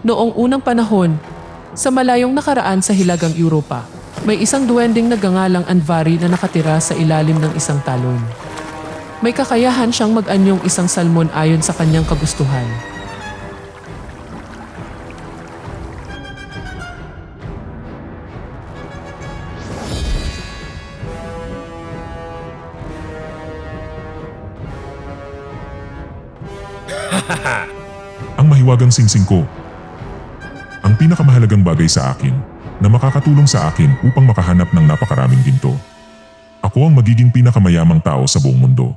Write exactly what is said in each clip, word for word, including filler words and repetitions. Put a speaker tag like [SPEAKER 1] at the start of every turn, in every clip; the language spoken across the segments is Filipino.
[SPEAKER 1] Noong unang panahon, sa malayong nakaraan sa Hilagang Europa, may isang duwending nagngangalang Anvari na nakatira sa ilalim ng isang talon. May kakayahan siyang mag-anyong isang salmon ayon sa kanyang kagustuhan.
[SPEAKER 2] Ang mahiwagang singsing ko. Ang pinakamahalagang bagay sa akin na makakatulong sa akin upang makahanap ng napakaraming ginto. Ako ang magiging pinakamayamang tao sa buong mundo.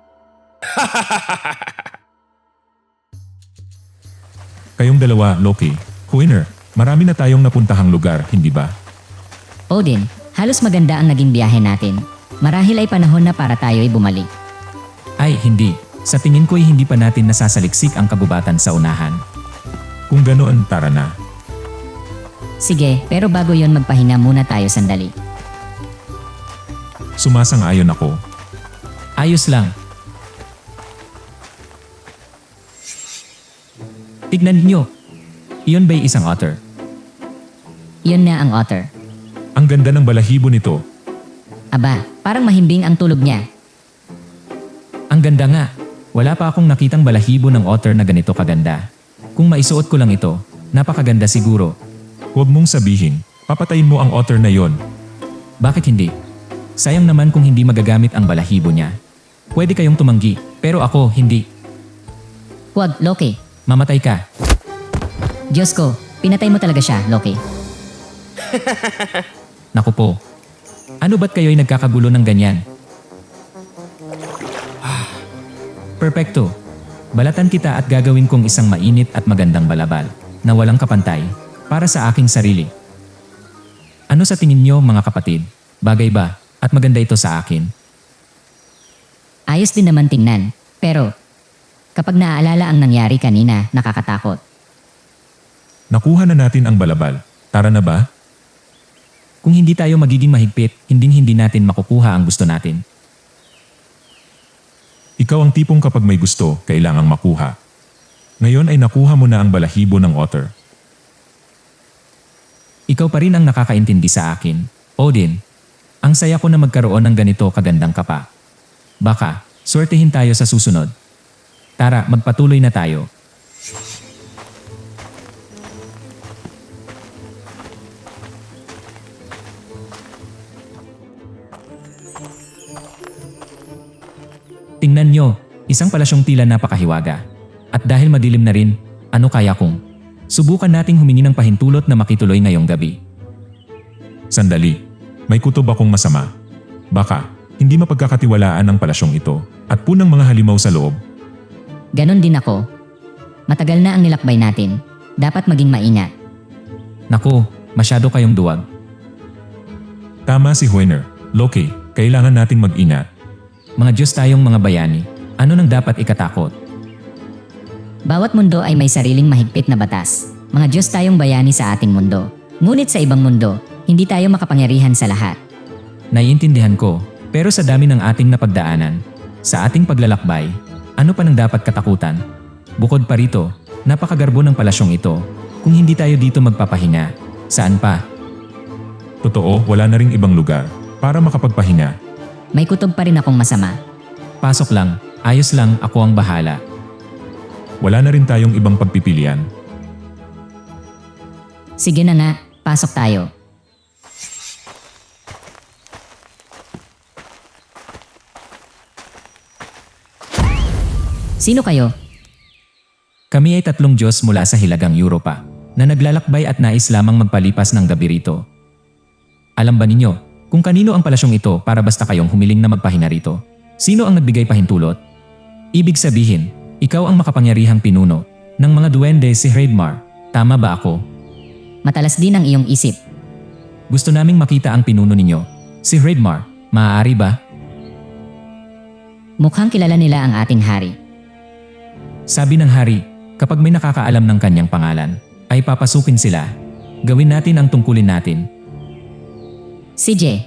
[SPEAKER 3] Kayong dalawa, Loki, Hoiner, marami na tayong napuntahang lugar, hindi ba?
[SPEAKER 4] Odin, halos maganda ang naging biyahe natin. Marahil ay panahon na para tayo ay bumalik.
[SPEAKER 3] Ay, hindi. Sa tingin ko'y hindi pa natin nasasaliksik ang kagubatan sa unahan. Kung ganoon, tara na.
[SPEAKER 4] Sige, pero bago yon magpahinga muna tayo sandali.
[SPEAKER 3] Sumasang-ayon ako. Ayos lang. Tignan niyo. Iyon ba'y isang otter?
[SPEAKER 4] Iyon na ang otter.
[SPEAKER 3] Ang ganda ng balahibo nito.
[SPEAKER 4] Aba, parang mahimbing ang tulog niya.
[SPEAKER 3] Ang ganda nga. Wala pa akong nakitang balahibo ng otter na ganito kaganda. Kung maisuot ko lang ito, napakaganda siguro. Huwag mong sabihin, papatayin mo ang otter na yon. Bakit hindi? Sayang naman kung hindi magagamit ang balahibo niya. Pwede kayong tumanggi, pero ako hindi.
[SPEAKER 4] Huwag, Loki.
[SPEAKER 3] Mamatay ka.
[SPEAKER 4] Diyos ko, pinatay mo talaga siya, Loki.
[SPEAKER 3] Naku po. Ano ba't kayo'y nagkakagulo ng ganyan? Perpekto. Balatan kita at gagawin kong isang mainit at magandang balabal na walang kapantay para sa aking sarili. Ano sa tingin niyo mga kapatid? Bagay ba at maganda ito sa akin?
[SPEAKER 4] Ayos din naman tingnan, pero kapag naaalala ang nangyari kanina, nakakatakot.
[SPEAKER 2] Nakuha na natin ang balabal. Tara na ba?
[SPEAKER 3] Kung hindi tayo magiging mahigpit, hinding-hindi natin makukuha ang gusto natin.
[SPEAKER 2] Ikaw ang tipong kapag may gusto, kailangang makuha. Ngayon ay nakuha mo na ang balahibo ng otter.
[SPEAKER 3] Ikaw pa rin ang nakakaintindi sa akin, Odin. Ang saya ko na magkaroon ng ganito kagandang kapa. Baka, swertehin tayo sa susunod. Tara, magpatuloy na tayo. Tingnan nyo, isang palasyong tila napakahiwaga. At dahil madilim na rin, ano kaya kung subukan nating humingi ng pahintulot na makituloy ngayong gabi?
[SPEAKER 2] Sandali, may kutob akong masama. Baka, hindi mapagkakatiwalaan ang palasyong ito at punang mga halimaw sa loob.
[SPEAKER 4] Ganon din ako. Matagal na ang nilakbay natin. Dapat maging maingat.
[SPEAKER 3] Naku, masyado kayong duwag.
[SPEAKER 2] Tama si Hoiner. Loki, kailangan nating mag-ingat.
[SPEAKER 3] Mga Diyos tayong mga bayani, ano nang dapat ikatakot?
[SPEAKER 4] Bawat mundo ay may sariling mahigpit na batas. Mga Diyos tayong bayani sa ating mundo. Ngunit sa ibang mundo, hindi tayo makapangyarihan sa lahat.
[SPEAKER 3] Naiintindihan ko, pero sa dami ng ating napagdaanan, sa ating paglalakbay, ano pa nang dapat katakutan? Bukod pa rito, napakagarbo ng palasyong ito. Kung hindi tayo dito magpapahinga, saan pa?
[SPEAKER 2] Totoo, wala na ring ibang lugar para makapagpahinga.
[SPEAKER 4] May kutob pa rin akong masama.
[SPEAKER 3] Pasok lang, ayos lang, ako ang bahala.
[SPEAKER 2] Wala na rin tayong ibang pagpipilian.
[SPEAKER 4] Sige na nga, pasok tayo. Sino kayo?
[SPEAKER 3] Kami ay tatlong Diyos mula sa Hilagang Europa na naglalakbay at nais lamang magpalipas ng gabi rito. Alam ba ninyo kung kanino ang palasyong ito para basta kayong humiling na magpahinga rito? Sino ang nagbigay pahintulot? Ibig sabihin, ikaw ang makapangyarihang pinuno ng mga duwende si Hreidmar. Tama ba ako?
[SPEAKER 4] Matalas din ang iyong isip.
[SPEAKER 3] Gusto naming makita ang pinuno ninyo, si Hreidmar. Maaari ba?
[SPEAKER 4] Mukhang kilala nila ang ating hari.
[SPEAKER 3] Sabi ng hari, kapag may nakakaalam ng kanyang pangalan, ay papasukin sila. Gawin natin ang tungkulin natin.
[SPEAKER 4] Si J.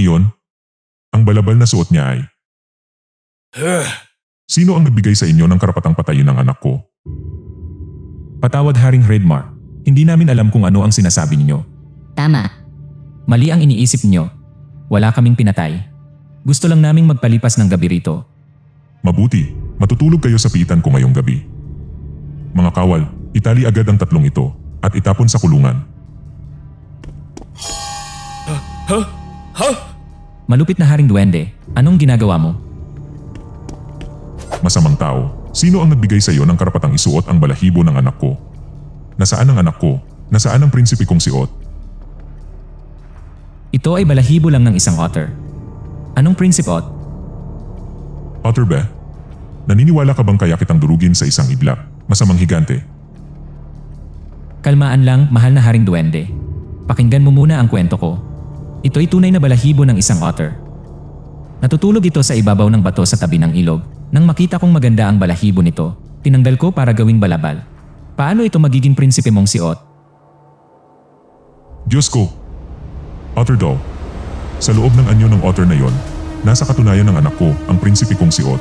[SPEAKER 2] iyon? Ang balabal na suot niya ay... Sino ang nagbigay sa inyo ng karapatang patayin ng anak ko?
[SPEAKER 3] Patawad Haring Redmar. Hindi namin alam kung ano ang sinasabi ninyo.
[SPEAKER 4] Tama.
[SPEAKER 3] Mali ang iniisip ninyo. Wala kaming pinatay. Gusto lang naming magpalipas ng gabi rito.
[SPEAKER 2] Mabuti, matutulog kayo sa piitan ko ngayong gabi. Mga kawal, itali agad ang tatlong ito at itapon sa kulungan.
[SPEAKER 3] Malupit na Haring Duwende, anong ginagawa mo?
[SPEAKER 2] Masamang tao, sino ang nagbigay sa iyo ng karapatang isuot ang balahibo ng anak ko? Nasaan ang anak ko? Nasaan ang prinsipe kong si Ot?
[SPEAKER 3] Ito ay balahibo lang ng isang otter. Anong prinsip, Ot?
[SPEAKER 2] Otter ba? Naniniwala ka bang kaya kitang durugin sa isang iglap? Masamang higante.
[SPEAKER 3] Kalmaan lang, mahal na Haring Duwende. Pakinggan mo muna ang kwento ko. Ito'y tunay na balahibo ng isang otter. Natutulog ito sa ibabaw ng bato sa tabi ng ilog. Nang makita kong maganda ang balahibo nito, tinanggal ko para gawing balabal. Paano ito magiging prinsipe mong si Ot?
[SPEAKER 2] Diyos ko! Otter daw. Sa loob ng anyo ng otter na yon, nasa katunayan ng anak ko, ang prinsipe kong si Ot.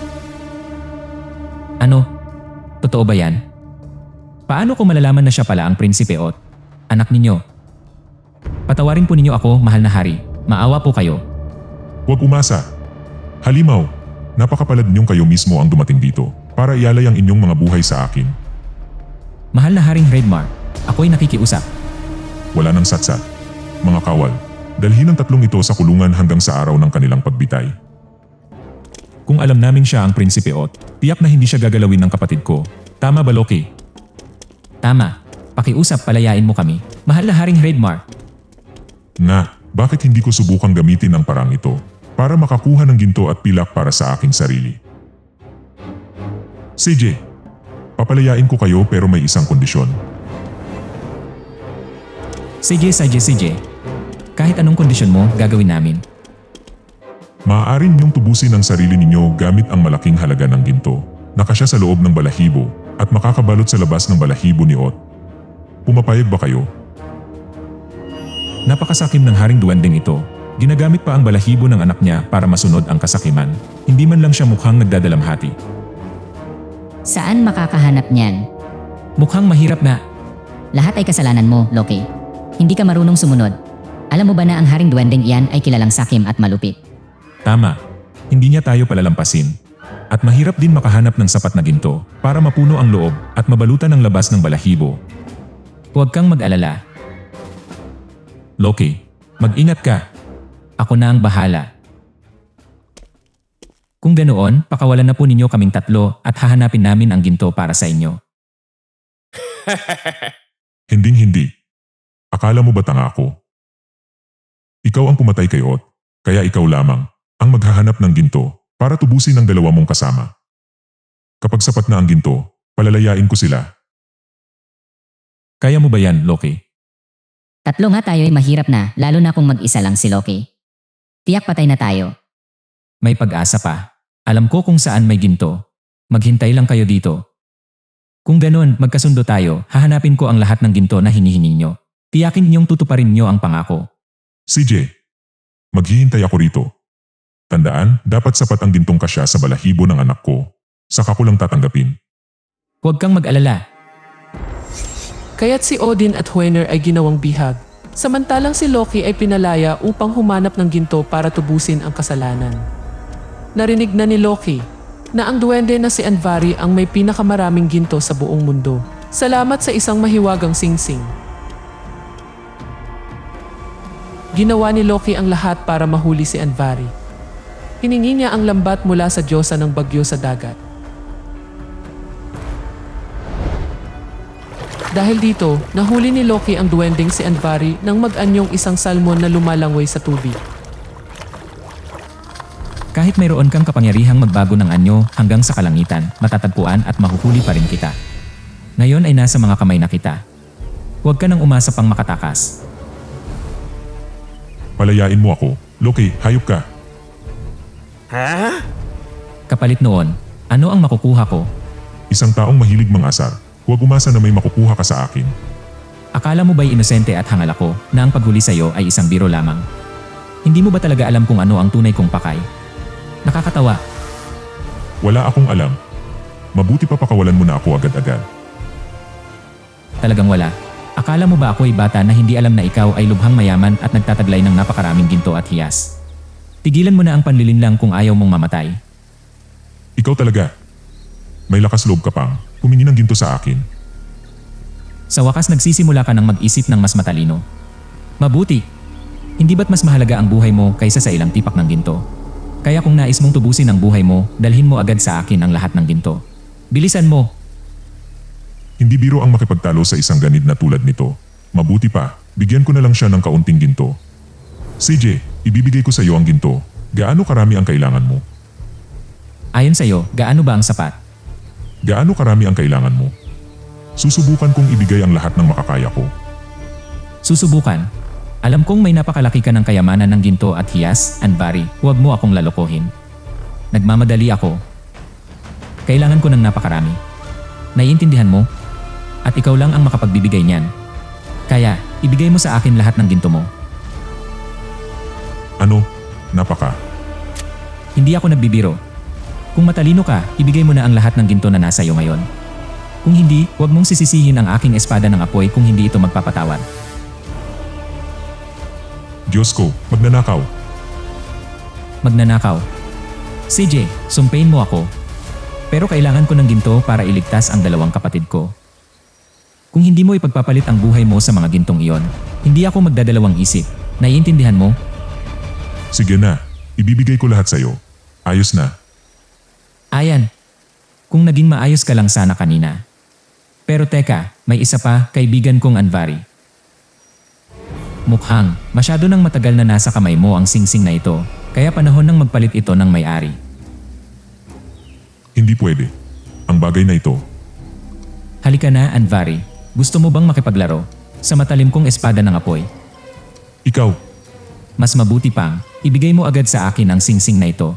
[SPEAKER 3] Ano? Totoo ba yan? Paano ko malalaman na siya pala ang prinsipe, Ot? Anak ninyo. Patawarin po ninyo ako, mahal na hari. Maawa po kayo.
[SPEAKER 2] Huwag umasa. Halimaw, napakapalad ninyong kayo mismo ang dumating dito para ialay ang inyong mga buhay sa akin.
[SPEAKER 3] Mahal na Haring Redmar, ako'y nakikiusap.
[SPEAKER 2] Wala nang satsat. Mga kawal, dalhin ang tatlong ito sa kulungan hanggang sa araw ng kanilang pagbitay.
[SPEAKER 3] Kung alam namin siya ang prinsipe, Ot, tiyak na hindi siya gagalawin ng kapatid ko. Tama ba, Loki? Tama. Pakiusap, palayain mo kami. Mahal na Haring Redmar.
[SPEAKER 2] Na, bakit hindi ko subukang gamitin ang parang ito para makakuha ng ginto at pilak para sa aking sarili? C J, papalayain ko kayo pero may isang kondisyon.
[SPEAKER 3] Sige, sige, sige. Kahit anong kondisyon mo, gagawin namin.
[SPEAKER 2] Maaaring niyong tubusin ang sarili ninyo gamit ang malaking halaga ng ginto. Nakasya sa loob ng balahibo at makakabalot sa labas ng balahibo ni Ot. Pumapayag ba kayo?
[SPEAKER 3] Napakasakim ng Haring Duwendeng ito. Ginagamit pa ang balahibo ng anak niya para masunod ang kasakiman. Hindi man lang siya mukhang nagdadalamhati.
[SPEAKER 4] Saan makakahanap niyan?
[SPEAKER 3] Mukhang mahirap na.
[SPEAKER 4] Lahat ay kasalanan mo, Loki. Hindi ka marunong sumunod. Alam mo ba na ang Haring Duwendeng iyan ay kilalang sakim at malupit?
[SPEAKER 3] Tama. Hindi niya tayo palalampasin. At mahirap din makahanap ng sapat na ginto para mapuno ang loob at mabalutan ang labas ng balahibo. Huwag kang mag-alala. Loki, mag-ingat ka. Ako na ang bahala. Kung ganoon, pakawalan na po ninyo kaming tatlo at hahanapin namin ang ginto para sa inyo.
[SPEAKER 2] Hinding-hindi. Akala mo ba tanga ako? Ikaw ang pumatay kay Ot, kaya ikaw lamang ang maghahanap ng ginto para tubusin ang dalawa mong kasama. Kapag sapat na ang ginto, palalayain ko sila.
[SPEAKER 3] Kaya mo ba yan, Loki?
[SPEAKER 4] Tatlo nga tayo ay mahirap na, lalo na kung mag-isa lang si Loki. Tiyak patay na tayo.
[SPEAKER 3] May pag-asa pa. Alam ko kung saan may ginto. Maghintay lang kayo dito. Kung ganon, magkasundo tayo, hahanapin ko ang lahat ng ginto na hinihingi nyo. Tiyakin ninyong tutuparin nyo ang pangako.
[SPEAKER 2] C J, maghihintay ako rito. Tandaan, dapat sapat ang gintong kasya sa balahibo ng anak ko. Saka ko lang tatanggapin.
[SPEAKER 3] Huwag kang mag-alala.
[SPEAKER 1] Kaya't si Odin at Hoenir ay ginawang bihag. Samantalang si Loki ay pinalaya upang humanap ng ginto para tubusin ang kasalanan. Narinig na ni Loki na ang duwende na si Andvari ang may pinakamaraming ginto sa buong mundo. Salamat sa isang mahiwagang singsing. Ginawa ni Loki ang lahat para mahuli si Andvari. Hiningi niya ang lambat mula sa diyosa ng bagyo sa dagat. Dahil dito, nahuli ni Loki ang duwending si Andvari nang mag-anyong isang salmon na lumalangoy sa tubig.
[SPEAKER 3] Kahit mayroon kang kapangyarihang magbago ng anyo hanggang sa kalangitan, matatagpuan at mahuhuli pa rin kita. Ngayon ay nasa mga kamay na kita. Huwag ka nang umasa pang makatakas.
[SPEAKER 2] Palayain mo ako. Loki, hayop ka.
[SPEAKER 3] Kapalit noon, ano ang makukuha ko?
[SPEAKER 2] Isang taong mahilig mangasar. Huwag umasa na may makukuha ka sa akin.
[SPEAKER 3] Akala mo ba'y inosente at hangal ako na ang paghuli sa'yo ay isang biro lamang? Hindi mo ba talaga alam kung ano ang tunay kong pakay? Nakakatawa.
[SPEAKER 2] Wala akong alam. Mabuti pa pakawalan mo na ako agad-agad.
[SPEAKER 3] Talagang wala. Akala mo ba ako ay bata na hindi alam na ikaw ay lubhang mayaman at nagtataglay ng napakaraming ginto at hiyas? Tigilan mo na ang panlilinlang kung ayaw mong mamatay.
[SPEAKER 2] Ikaw talaga. May lakas loob ka pang humingi ng ginto sa akin.
[SPEAKER 3] Sa wakas nagsisimula ka ng mag-isip ng mas matalino. Mabuti. Hindi ba't mas mahalaga ang buhay mo kaysa sa ilang tipak ng ginto? Kaya kung nais mong tubusin ang buhay mo, dalhin mo agad sa akin ang lahat ng ginto. Bilisan mo.
[SPEAKER 2] Hindi biro ang makipagtalo sa isang ganid na tulad nito. Mabuti pa, bigyan ko na lang siya ng kaunting ginto. C J, ibibigay ko sa iyo ang ginto. Gaano karami ang kailangan mo?
[SPEAKER 3] Ayon sa'yo, gaano ba ang sapat?
[SPEAKER 2] Gaano karami ang kailangan mo? Susubukan kong ibigay ang lahat ng makakaya ko.
[SPEAKER 3] Susubukan. Alam kong may napakalaki ka ng kayamanan ng ginto at hiyas, Anvari. Huwag mo akong lalokohin. Nagmamadali ako. Kailangan ko ng napakarami. Naiintindihan mo? At ikaw lang ang makapagbibigay niyan. Kaya, ibigay mo sa akin lahat ng ginto mo.
[SPEAKER 2] Ano? Napaka.
[SPEAKER 3] Hindi ako nagbibiro. Kung matalino ka, ibigay mo na ang lahat ng ginto na nasa iyo ngayon. Kung hindi, huwag mong sisisihin ang aking espada ng apoy kung hindi ito magpapatawad.
[SPEAKER 2] Diyos ko, magnanakaw.
[SPEAKER 3] Magnanakaw. C J, sumpain mo ako. Pero kailangan ko ng ginto para iligtas ang dalawang kapatid ko. Kung hindi mo ipagpapalit ang buhay mo sa mga gintong iyon, hindi ako magdadalawang isip. Naiintindihan mo?
[SPEAKER 2] Sige na, ibibigay ko lahat sa iyo. Ayos na.
[SPEAKER 3] Ayan. Kung naging maayos ka lang sana kanina. Pero teka, may isa pa, kaibigan kong Anvari. Mukhang, masyado nang matagal na nasa kamay mo ang singsing na ito, kaya panahon nang magpalit ito ng may-ari.
[SPEAKER 2] Hindi pwede. Ang bagay na ito.
[SPEAKER 3] Halika na, Anvari. Gusto mo bang makipaglaro? Sa matalim kong espada ng apoy.
[SPEAKER 2] Ikaw,
[SPEAKER 3] Mas mabuti pang, ibigay mo agad sa akin ang singsing na ito.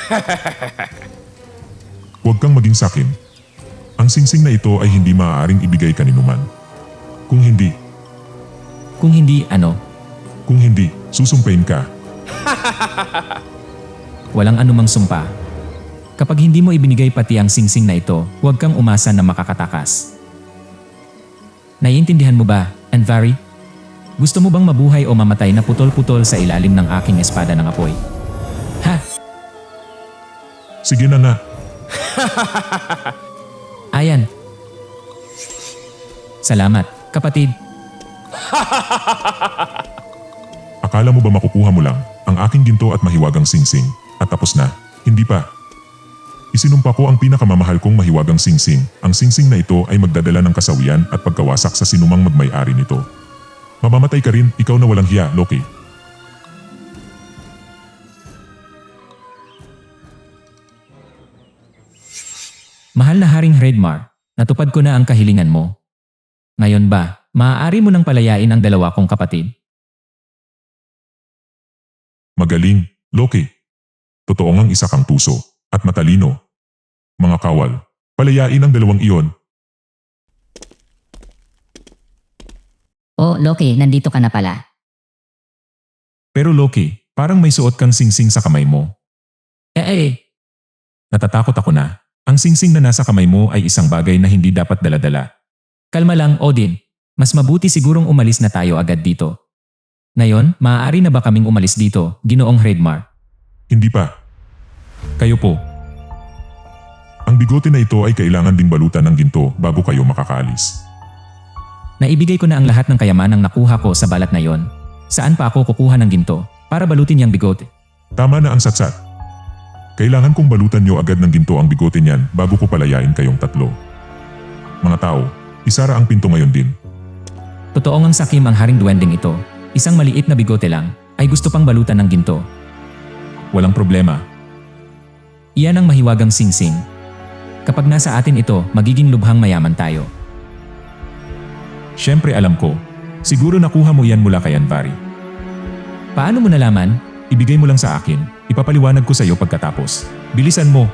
[SPEAKER 2] huwag kang maging sakin. Ang singsing na ito ay hindi maaaring ibigay kaninuman. Kung hindi,
[SPEAKER 3] Kung hindi, ano?
[SPEAKER 2] kung hindi, susumpain ka.
[SPEAKER 3] Walang anumang sumpa. Kapag hindi mo ibinigay pati ang singsing na ito, huwag kang umasa na makakatakas. Naiintindihan mo ba, Anvari? Gusto mo bang mabuhay o mamatay na putol-putol sa ilalim ng aking espada ng apoy? Ha?
[SPEAKER 2] Sige na nga.
[SPEAKER 3] Ayan. Salamat, kapatid.
[SPEAKER 2] Akala mo ba makukuha mo lang ang aking ginto at mahiwagang singsing at tapos na? Hindi pa. Isinumpa ko ang pinakamamahal kong mahiwagang singsing. Ang singsing na ito ay magdadala ng kasawian at pagkawasak sa sinumang magmay-ari nito. Mamamatay ka rin, ikaw na walang hiya, Loki.
[SPEAKER 3] Mahal na Haring Hredmar, natupad ko na ang kahilingan mo. Ngayon ba, maaari mo nang palayain ang dalawa kong kapatid?
[SPEAKER 2] Magaling, Loki. Totoo ngang isa kang puso at matalino. Mga kawal, palayain ang dalawang iyon.
[SPEAKER 4] Oh, Loki, nandito ka na pala.
[SPEAKER 2] Pero Loki, parang may suot kang singsing sa kamay mo.
[SPEAKER 3] Eh eh,
[SPEAKER 2] Natatakot ako na. Ang singsing na nasa kamay mo ay isang bagay na hindi dapat daladala.
[SPEAKER 3] kalma lang Odin. Mas mabuti sigurong umalis na tayo agad dito. Ngayon, maaari na ba kaming umalis dito, Ginoong Hredmar?
[SPEAKER 2] Hindi pa. Kayo po. Ang bigote na ito ay kailangan ding balutan ng ginto bago kayo makakaalis.
[SPEAKER 3] Naibigay ko na ang lahat ng kayamanang nakuha ko sa balat na yon. Saan pa ako kukuha ng ginto para balutin yung bigote?
[SPEAKER 2] Tama na ang satsat. Kailangan kong balutan nyo agad ng ginto ang bigote niyan bago ko palayain kayong tatlo. Mga tao, isara ang pinto ngayon din.
[SPEAKER 3] Totoo ngang sakim ang haring duwending ito. Isang maliit na bigote lang ay gusto pang balutan ng ginto.
[SPEAKER 2] Walang problema.
[SPEAKER 3] Iyan ang mahiwagang singsing. Kapag nasa atin ito, magiging lubhang mayaman tayo.
[SPEAKER 2] Siyempre alam ko. Siguro nakuha mo yan mula kay Anvari.
[SPEAKER 3] Paano mo nalaman?
[SPEAKER 2] Ibigay mo lang sa akin. Ipapaliwanag ko sa iyo pagkatapos. Bilisan mo.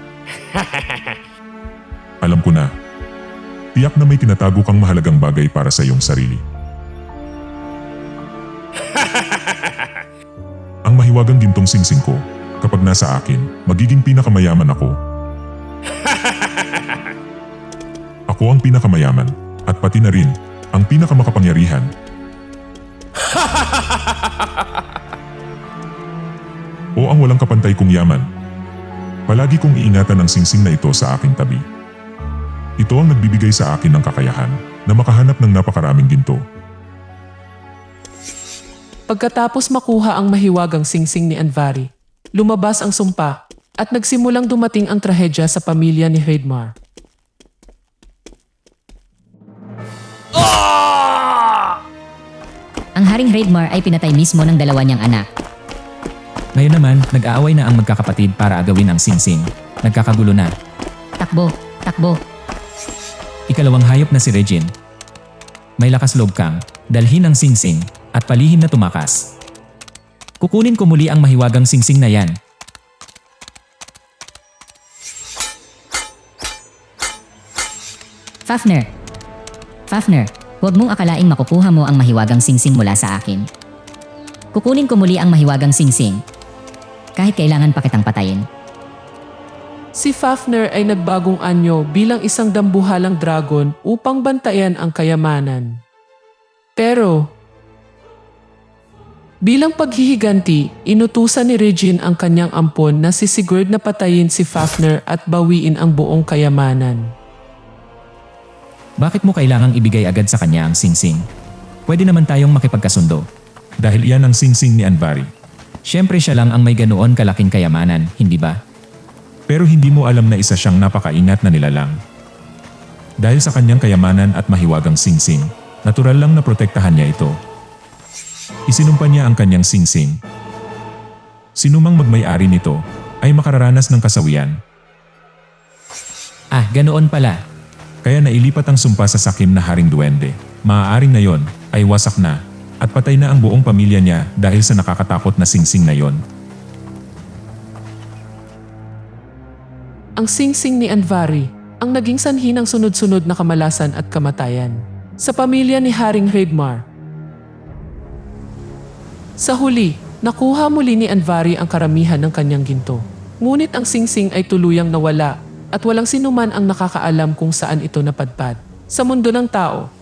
[SPEAKER 2] Alam ko na. Tiyak na may tinatago kang mahalagang bagay para sa iyong sarili. Ang mahiwagang gintong singsing ko, kapag nasa akin, magiging pinakamayaman ako. Ako ang pinakamayaman, at pati na rin, ang pinakamakapangyarihan. O ang walang kapantay kong yaman. Palagi kong iingatan ang singsing na ito sa aking tabi. Ito ang nagbibigay sa akin ng kakayahan na makahanap ng napakaraming ginto.
[SPEAKER 1] Pagkatapos makuha ang mahiwagang singsing ni Anvari, lumabas ang sumpa at nagsimulang dumating ang trahedya sa pamilya ni Hreidmar.
[SPEAKER 4] Ang Haring Hreidmar ay pinatay mismo ng dalawa niyang anak.
[SPEAKER 3] Ngayon naman, nag-aaway na ang magkakapatid para agawin ang singsing. Nagkakagulo na.
[SPEAKER 4] Takbo, takbo.
[SPEAKER 3] Ikalawang hayop na si Regine. May lakas loob kang, dalhin ang singsing, at palihim na tumakas. Kukunin ko muli ang mahiwagang singsing na yan.
[SPEAKER 4] Fafner. Fafner, huwag mong akalaing makukuha mo ang mahiwagang singsing mula sa akin. Kukunin ko muli ang mahiwagang singsing. Kahit kailangan pa kitang patayin.
[SPEAKER 1] Si Fafner ay nagbagong anyo bilang isang dambuhalang dragon upang bantayan ang kayamanan. Pero, bilang paghihiganti, inutusan ni Regine ang kanyang ampon na si Sigurd na patayin si Fafner at bawiin ang buong kayamanan.
[SPEAKER 3] Bakit mo kailangang ibigay agad sa kanya ang singsing? Pwede naman tayong makipagkasundo.
[SPEAKER 2] Dahil iyan ang singsing ni Anvari.
[SPEAKER 3] Siyempre siya lang ang may ganoon kalaking kayamanan, hindi ba?
[SPEAKER 2] Pero hindi mo alam na isa siyang napakaingat na nilalang. Dahil sa kanyang kayamanan at mahiwagang singsing, natural lang na protektahan niya ito. Isinumpa niya ang kanyang singsing. Sinumang magmay-ari nito ay makararanas ng kasawian.
[SPEAKER 3] Ah, ganoon pala.
[SPEAKER 2] Kaya nailipat ang sumpa sa sakim na Haring Duwende. Maaaring na yon ay wasak na at patay na ang buong pamilya niya dahil sa nakakatakot na singsing na yon.
[SPEAKER 1] Ang singsing ni Anvari ang naging sanhi ng sunod-sunod na kamalasan at kamatayan sa pamilya ni Haring Hreidmar. Sa huli, nakuha muli ni Anvari ang karamihan ng kanyang ginto. Ngunit ang singsing ay tuluyang nawala at walang sinuman ang nakakaalam kung saan ito napadpad. Sa mundo ng tao,